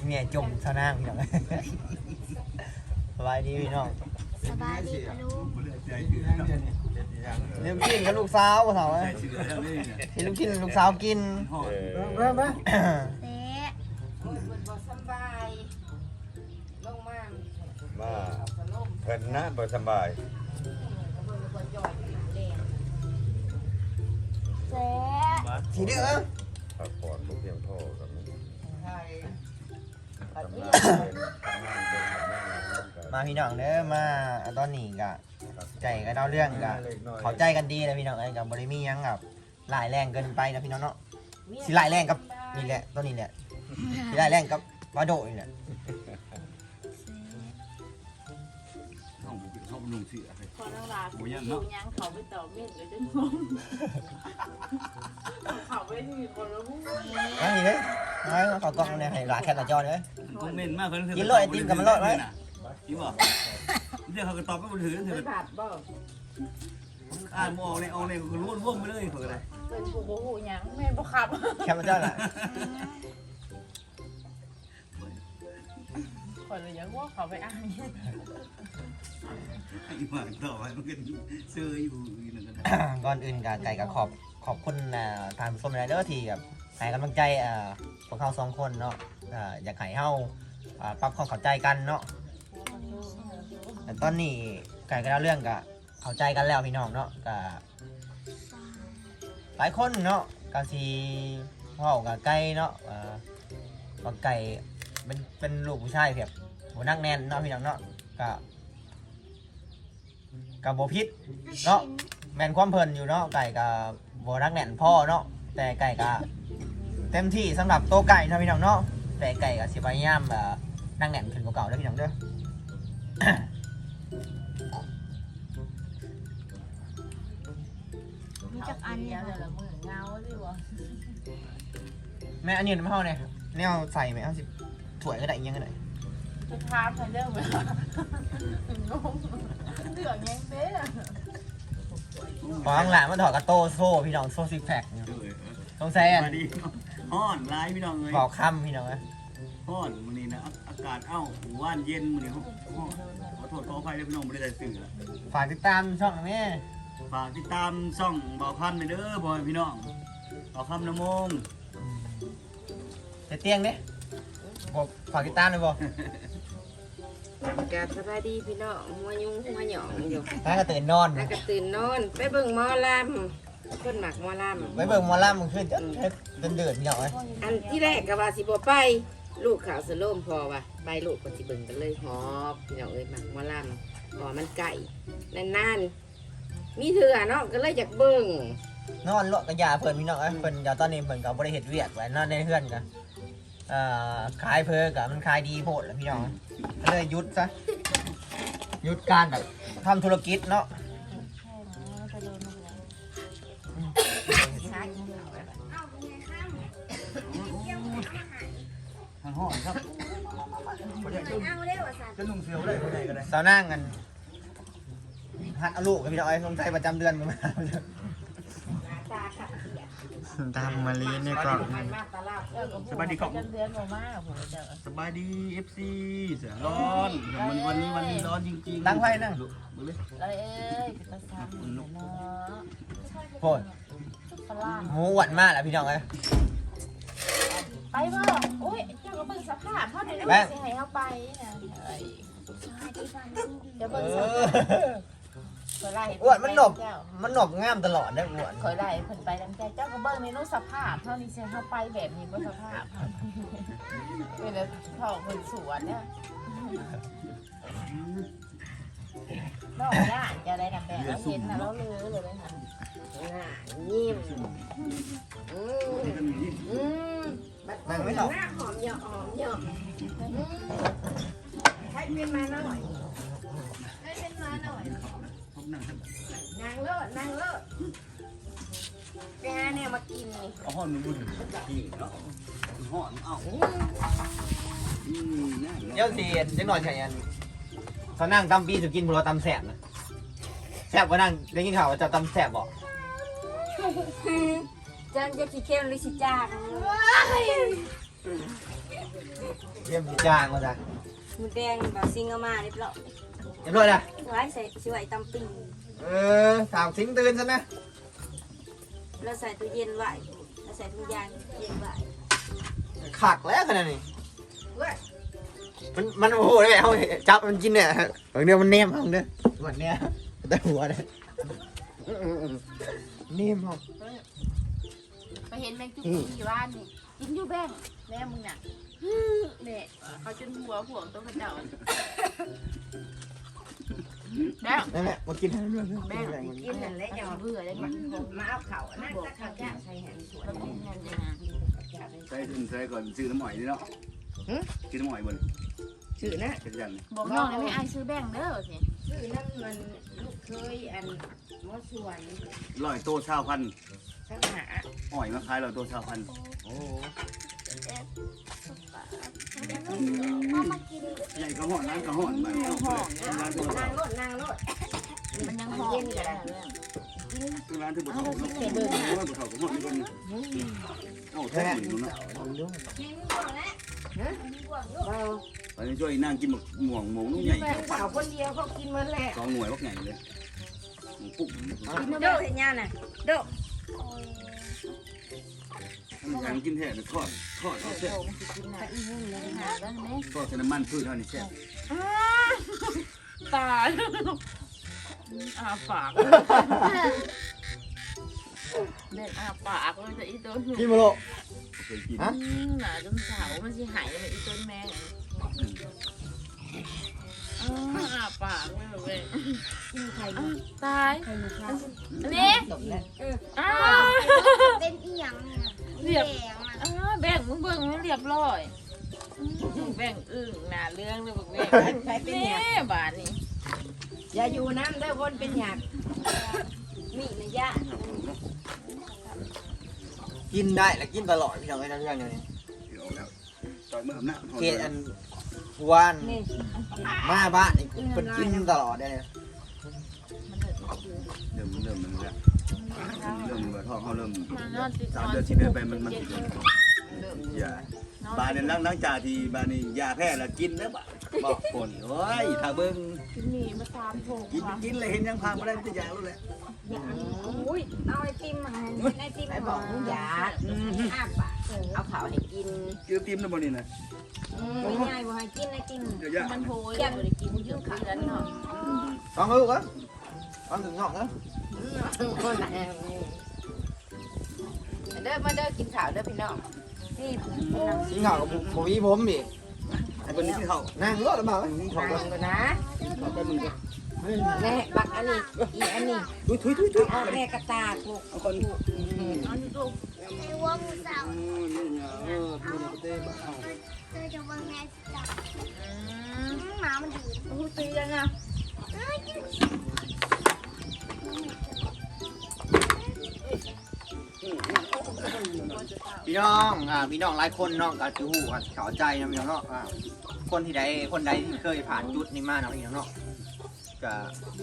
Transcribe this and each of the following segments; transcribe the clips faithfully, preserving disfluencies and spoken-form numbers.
เนี่ยจมสนางพี่น้องสบายดีพี่น้องสบายดีปะลูกเลี้ยงกินกับลูกสาวบ่เฒ่าเอ้ยที่ลูกกินลูกสาวกินมามาเตะบ่สบายลงมามาเพิ่นนะบ่สบายเตะทีเด้อพักผ่อนบ่เพียงพอกับมันใช่ทำงานเป็นทำงานเป็นทำงานเป็นมาพี่น้องเด้อมาตอนนี้ก็ใจก็เล่าเรื่องก็เข้าใจกันดีนะพี่น้องเอ้ยก็บ่ได้มีหยังแบบหลายแรงเกินไปนะพี่น้องเนาะสิหลายแรงกับนี่แหละตัวนี้แหละสิหลายแรงกับวาโดนี่แหละห้องห้องนุ่งเสื้อคนทั้งหลายผู้ยังยังเขาไปต่อเม็ดเลยจะงงเขาไปนี่คนละผู้มานี่เด้อมาขอกล้องเนี่ยให้หลานแคปหน้าจอเด้อคอมเมนต์มากเพิ่นกินโลดไอติมกับมันโลดไว้กินบ่เดี๋ยวเขาก็ตอบไปบ่ถือถือไม่ขาดบ่อ่านบ่ออกในเอาในก็ล้วนว่องไปเลยเพิ่นก็ได้เป็นผู้บ่หูยังแม่บ่ขับแคปหน้าจอน่ะคนเลยยังว่าเขาไปอ่านอีหมาต่อไปมันก็ซื้ออยู่อีนั่นก็ได้ก่อนอื่นก็ไก่ก็ขอบขอบคุณอ่าทานผู้ชมหลายเด้อที่แบบให้กำลังใจอ่าพวกเขาสองคนเนาะอ่าอยากให้เฮาอ่าปรับความเข้าใจกันเนาะแต่ตอนนี้ไก่ก็เล่าเรื่องก็เข้าใจกันแล้วพี่น้องเนาะก็หลายคนเนาะก็สิเว้ากับไก่เนาะอ่าว่าไก่เป็นเป็นลูกผู้ชายแบบบ่นักแน่นเนาะพี่น้องเนาะก็ก็บ่ผิดเนาะ แม่นความเพลินอยู่เนาะไก่กับโบรักแน่นพ่อเนาะแต่ไก่กับเต็มที่สำหรับโตวไก่นะพี่น้องเนาะแต่ไก่กับสิบพยายามแบบนั่งแน่นขึ้นกว่าเก่าเด้อพี่น้องเด้อมีจักอันเดีเนี่ย ยวเดี๋ยวละมือเงาดิวะแม่อันนี้ไม่เท่าเนี่ยเนี่ยเอาใส่ไหมเอาสิถ้วยก็ได้อีกอยังก็ได้จะทามทันเรื่องไหมงงเรื่องยังเด้อพอข้างหลังมันถอดกระโต้โซ่พี่น้องโซ่ซิกแพคต้องใส่อันมาดีฮ้อนหลายพี่น้องเอ้ยบอกค่ำพี่น้องนะฮ้อนมื้อนี้นะอากาศเอ้าว่านเย็นมื้อนี้ฮ้อนขอโทษขออภัยด้วยพี่น้องบ่ได้ใส่เสื้อฝากติดตามช่องนะแม่ฝากติดตามช่องเบาคันไปเด้อพ่อแม่พี่น้องเบาคำน้ำมงจะเตียงเด้บอกฝากติดตามเลยบอกกาสบายดีพี่น้องหัวยุงหัวหยองอยู่ถ้าก็ตื่นนอนแล้วก็ตื่นนอนไปเบิ่งหมอลำคนหมักหมอลไปเบิ่งหมอลำมันขึ้นจะเดินเดือดพี่น้องเลยำอันที่แรกก็ว่าสิบ่ไป ลูกข่าวสโลมพอว่ะไปลูกก็สิเบิ่งกันเลยหอบพี่น้องเอ้ยหมักหมอลำพอมันไก่นานๆมีเถื่อเนาะก็เลยอยากเบิ่งนอนเลาะกระยาเพิ่นพี่น้องเอ้ยเพิ่นเดี๋ยวตอนนี้เพิ่นก็บ่ได้เฮ็ดเวียกไว้นอนในเฮือนกันเอ่อขายเพิ่นก็มันขายดีโพดแหล้วพี่น้องก็เลยหยุดซะหยุดการแบบทำธุรกิจเนาะทางห้องครับเอาเร็วสันจะนุ่งเสื้อได้บ่ได้ก็ได้สาวนั่งกันหัดเอาลูกกับพี่น้องเอ้ยสงสัยประจำเดือนมึงมา ตามมาลีนี่ก็สบายดีครับเดือนบ่มาผมจะสบายดี เอฟ ซี เสือร้อนมันวันนี้วันนี้ร้อนจริงๆตั้งไฟนั่งดูเลยเอ้ยเป็นตาซ้ำเนาะโพดฝรั่งหมูหวานมากแหละพี่น้องเอ้ยไปบ่โอ้ยเจ้าก็เบิ่งสภาพเท่าไหร่แม่สิให้เฮาไปนะเอ้ยเดี๋ยวเอเบิ่งสอภาพเคยไล่อ้วนมันหนบมันหนบงามตลอดได้ออ้วนเคยไล่เพิ่นไปนำใจเจ้าก็เบิ่งในนู้นสภาพเท่านี้สิเฮาไปแบบนี้บ่สภาพเวลาเข้าเพิ่นสวนเนี่ยนอกย่านจะได้นำแบบเราเห็นน่ะเราลือเลยเลยค่ะน่ายิ้มอืมอืมนั่งไม่ตอบหน้าหอมเหยาะหอมเหยาะอืมใช้เป็นมาหน่อยใช้เป็นมาหน่อยผมนั่งครับนางเลิศนางเลิศไปหาเนี่ยมากินนี่เอาห้อนมันบุญนี่เนาะห้อนเอ้าอืมอืมน่าเดี๋ยวสิเด็กหน่อยใช่ยันเขานั่งตำปีสุกินพวกเราตำแสบนะแสบกว่านั่งได้ยินข่าวว่าจะตำแสบบอกจันจะขี้เข้มหรือสิจางเยี่ยมจ้างมาจ้ะมือแดงแบบซิงเอามาเรียบร้อยเรียบร้อยนะไว้ใส่ช่วยตำปิ่งเออถามทิ้งตื่นซะนะแล้วใส่ตู้เย็นไว้แล้วใส่ถุงยางเย็นไว้ขักแล้วขนาดนี้มันมันโอ้โหได้เอาจับมันกินเนี่ยบางเดียวมันเนมเอาเด้อวันเนี้ยแต่หัวเลยเนมเอาไปเห็นแมงจุกที่บ้านนี่กินอยู่แบงแม่มึงน่ะเนี่ยเขาจนหัวห่วงตัวกระเจ้าแล้วนั่นแหละมากินให้ด้วยแม่งกินนั่นแหละอย่ามาเบื่อเลยมันมาเอาเข่านั่นจะเข่าแก่ใส่แหนสวยเราเป็นยังไงนะใส่ถึงใส่ก่อนซื้อน้ำหอยนี่เนาะซื้อน้ำหอยบนชื่อนะเป็นยังบอกน้องเลยไม่ไอซื้อแบงเด้อสิชื่อนั่นมันลูกเคยอันมอสวนร้อยโตชาวพันสังหาหอยมาขายร้อยโตชาวพันโอ้พ่อมากินใหญ่ก็ห่อนร้านก็ห่อนมาร้านก็ห่อนนางรถนางรถมันยังหอมอยู่เลยคือร้านที่บุตรเขาเนาะบุตรเขาบุตรเขาก็ห่อนนี่คนเอ้าแท้หนึ่งเนาะกินก่อนแล้วเราตอนนี้ช่วยนั่งกินหมกหม่วงหมูนุ่งใหญ่แม่เขาสาวคนเดียวเขากินมันแหละสองหน่วยพวกใหญ่เลยปุ๊บโดดเห็นยังน่ะโดดมันยังกินแท้เลยทอดทอดเอาเส้นกินน่ะอีหุ่นเลยหาแล้วนี่ทอดใส่น้ำมันพืชเท่านี้แซ่บตายอาปากเด็ดอาปากเลยจะอีตัวหนูกินมาโลเคยกินฮะหนาจนสาวมันสิหายไปอีต้นแมงอาปากเลยเว้ยใครตายใครมีข้าวอันนี้จบแล้วอ้าเป็นอีหยังเนี่ยเรียบแดงอ่ะอ้าแบ่งมึงเบิ่งให้เรียบร้อยแบ่งอึ่งหนาเรื่องเลยบอกแบ่งใครเป็นนี่หยาบาทนี่อย่าอยู่น้ำเด้อคนเป็นหยามีนะยะกินได้และกินตลอดพี่น้องไอ้นั่นเรื่องนี้เดี๋ยวแล้วต่อยมืออำนาจเกตอันวันนี่มาบ้านนี่เป็นกินตลอดได้เลยเริ่มเริ่มมันแล้วเริ่มแบบท้องเขาเริ่มนอนติดสามเดือนสี่เดือนไปมันมันอย่าบานเนี่ยล้างล้างจ่าทีบานนี่ยาแพ้แล้วกินแล้วบ่บอกคนโอ้ยถ้าเบิ่งกินหมี่มาสามโถกินกินเลยเห็นยังพามาได้ไม่ยาแล้วแหละอุ้ยเอาไอติมมาให้ไอติมไปบอกมึงหยาอ้าปากเอาข้าวให้กินกินติมแล้วบ่นี่นะไม่ง่ายบ่ให้กินไอติมเดี๋ยวยามันโหยเลยบ่ได้กินเยอะขนาดนั้นเนาะฟังลูกเหรอฟังถึงงอกนะคนไหนเด้อมาเด้อกินข้าวเด้อพี่น้องนี่กินข้าวกับผมมีผมดิไอ้คนนี้ที่เขานั่งรถมาไหมกินข้าวฟักันงก่อนนะเขาไปมึงก็แม่บักอันนี้อีอันนี้ทุยทุยทุยทุยเอาแม่กระตากลูกเอาคนเอาที่ลูกไอ้วัวหมูสาวนี่เนี่ยเออพูดเต้บ้าเอาเธอจะวางแม่จับอืมหมามันดื้อพูดตียังอ่ะพี่น้องอ่าพี่น้องหลายคนเนาะก็ถือหูอ่ะเข้าใจนะพี่น้องเนาะอ่าคนที่ใดคนใดที่เคยผ่านจุดนี้มาเนาะพี่น้องเนาะก็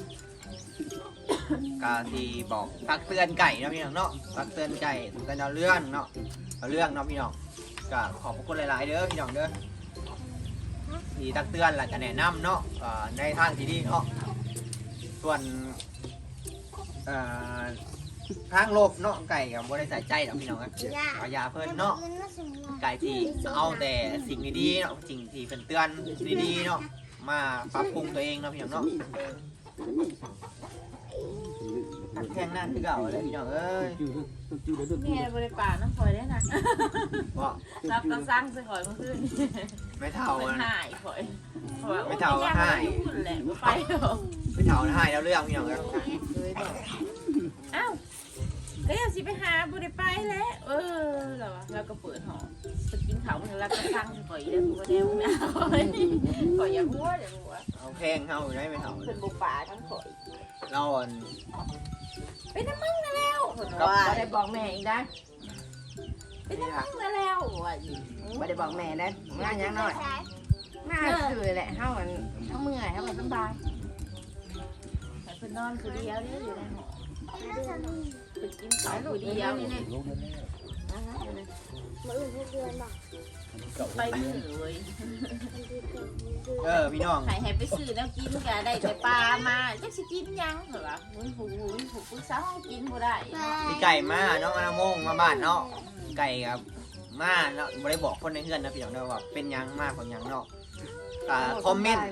ก็ที่บอกตักเตือนไก่เนาะพี่น้องเนาะตักเตือนไก่ตักเตือนเอาเรื่องเนาะเอาเรื่องเนาะพี่น้องก็ขอบพระคุณหลายๆเด้อพี่น้องเด้อที่ตักเตือนและจะแนะนำเนาะอ่าในทางที่ดีเนาะส่วนอ่าทางโลกเนาะไก่กับบริษัทใจเนาะพี่น้องครับยาเอายาเพิ่นเนาะมันน่าสงสารไก่ที่เอาแต่สิ่งดีๆเนาะสิ่งที่เป็นเตือนดีๆเนาะมาปรับปรุงตัวเองเนาะพี่น้องเนาะตักแข้งนั่นคือเก่าเลยพี่น้องเอ้ยแม่บริป่าน้ำฝอยได้นะบอกรับกระซังใส่หอยเมื่อคืนไม่เท่าเป็นนะหายฝอยไม่เท่าก็หายแหละไปเถอะไม่เท่าให้แล้วเรื่องพี่น้องเอ้ยอ้าวเฮ้ยสิไปหาบริไปแล้วเออแล้ววะแล้วก็เปิดหอไปกินข้าวมันแล้วก็ซังใส่หอยได้หัวแดงนะฝอยอย่าหัวเดี๋ยวหัวเอาแพงเท่าได้ไม่เท่าเป็นบุปผาทั้งฝอยเราอ่อนเป็นน้ำมึงนะแล้วว่าได้บอกแม่อีกนะเป็นน้ำมึงนะแล้วว่าอีกไม่ได้บอกแม่นะงานยังน้อยมาคือแหละเฮามันเฮาเมื่อยเฮามันสบายแต่เพิ่นนอนคือเดียวเนี่ยอยู่ในหอน่าจะมีเป็นกินข้าวคือเดียวนี่มาอื่นเดือนบอกไปซื้อเว้ยเออพี่น้องให้ให้ไปซื้อแล้วกินก็ได้แต่ปลามาจักสิกินยังเหรอวะมุ้ยผูมุ้ยผูปรึกษาห้องกินบ่ได้มีไก่มาเนาะอาโมงมาบ้านเนาะไก่ครับมาเนาะบ่ได้บอกคนในเฮือนนะพี่น้องเด้อว่าเป็นหยังมาของหยังเนาะอ่าคอมเมนต์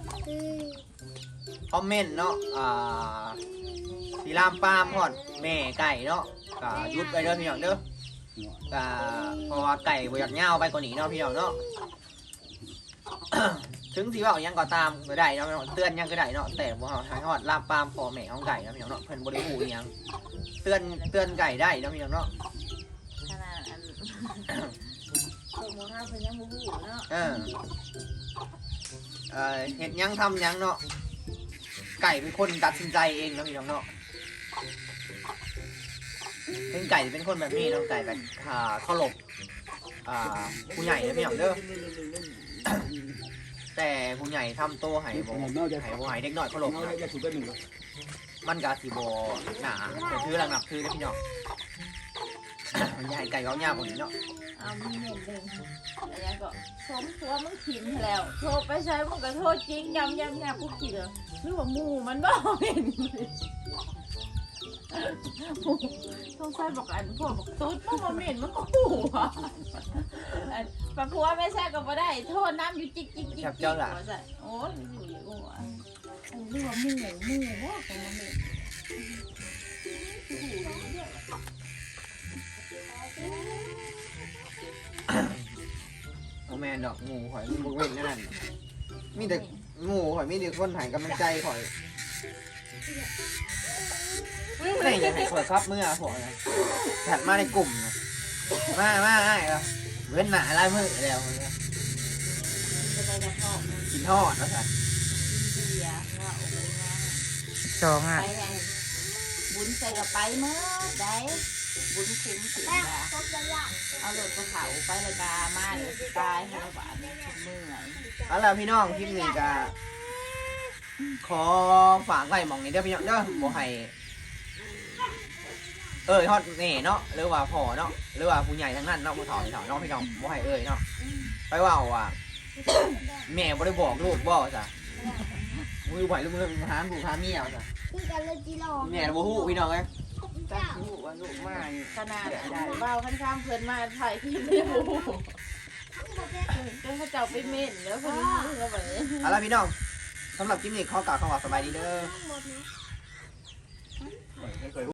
คอมเมนต์เนาะอ่าสีรามปามพอดแม่ไก่เนาะก็หยุดไปเด้อพี่น้องเด้อก็เพราะว่าไก่บ่อยากเหย้าไปกว่านี้เนาะพี่น้องเนาะ ถึงสิว่าเอาหยังก็ตามก็ได้เนาะพี่น้องเตือนหยังก็ได้เนาะแต่บ่เฮาทางฮอดลามปามพ่อแม่ของไก่เนาะพี่น้องเนาะเพิ่นบ่ได้ฮู้อีหยังเตือนเตือนไก่ได้เนาะพี่น้องเนาะขนาดอันพวกหมูห้าเพิ่นยังบ่ฮู้เนาะเออเอ่อเห็ดหยังทำหยังเนาะไก่เป็นคนตัดสินใจเองเนาะพี่น้องเนาะเป็นไก่เป็นคนแบบนี้เนาะไก่แบบอ่าเคารพอ่าผู้ใหญ่เนาะพี่น้องเด้อ แต่ผู้ใหญ่ทำโตให้บ่ให้บ่ให้เด็กน้อยเคารพนะมันก็สิบ่หนาแต่ถือหลังนับถือเด้อพี่น้อง มันใหญ่ไก่เขายากกว่านี้เนาะเอามีเงินเด้งแล้วยังก็สมตัวมึงถิ่มแล้วโทรไปใช้มึงก็โทษจริงยำยำยำกูขี้เลยหรือว่าหมูมันบ่เป็น ต้องใช้บอกอันพวกบอกตุ๊ดมันบ่เหม็นมันก็หูอ่ะอันปะพัวไม่ใช่ก็บ่ได้โทษน้ำอยู่จิกจิกจิกจิกว่าซะโอ้ยอยู่อย่างหัวอันนี้ว่าหมูหมูบ่ของมันเหม็นโอแมนดอกหมูข่อยมีบุกเว้นนั่นมีแต่หมูข่อยมีแต่คนใหายกำลังใจข่อยไม่ได้อยากให้ข่อยครับเมื่อผมนะถัดมาในกลุ่มนะมามาไอ้เหรอเว้นหนาลายมือแล้วจะไปกระเพาะกินทอดนะสันกินเบียร์ว่าโอ้โหนะสองอ่ะไปไงบุญใส่กับไปเมื่อได้บุญคุ้มถึงนะเอารถกระเผาไปเลยกามาเดี๋ยวตายให้เราบาดเมื่อยเอาล่ะพี่น้องคลิปนี้ก็ขอฝากไว้หมองนี้เด้อพี่น้องเด้อบ่ให้เอ้ยฮอดแน่เนาะหรือว่าพ่อเนาะหรือว่าผู้ใหญ่ทั้งนั้นเนาะผู้ถอนถอนเนาะพี่น้องบ่ให้เอ้ยเนาะไปว่าว่าแม่บ่ได้บอกลูกบ่จ้ะมือไหวลูกมือหาผู้หาเมียจ้ะแม่บ่ฮู้พี่น้องเอ้ยจักลูกว่าลูกมาขนาดเบาขั้นข้ามเพื่อนมาถ่ายคลิปไม่รู้จนเขาเจ้าไปเม่นแล้วคนนี้แล้วแบบนี้เอาล่ะพี่น้องสำหรับคลิปนี้ขอกล่าวคำว่าสบายดีเด้อ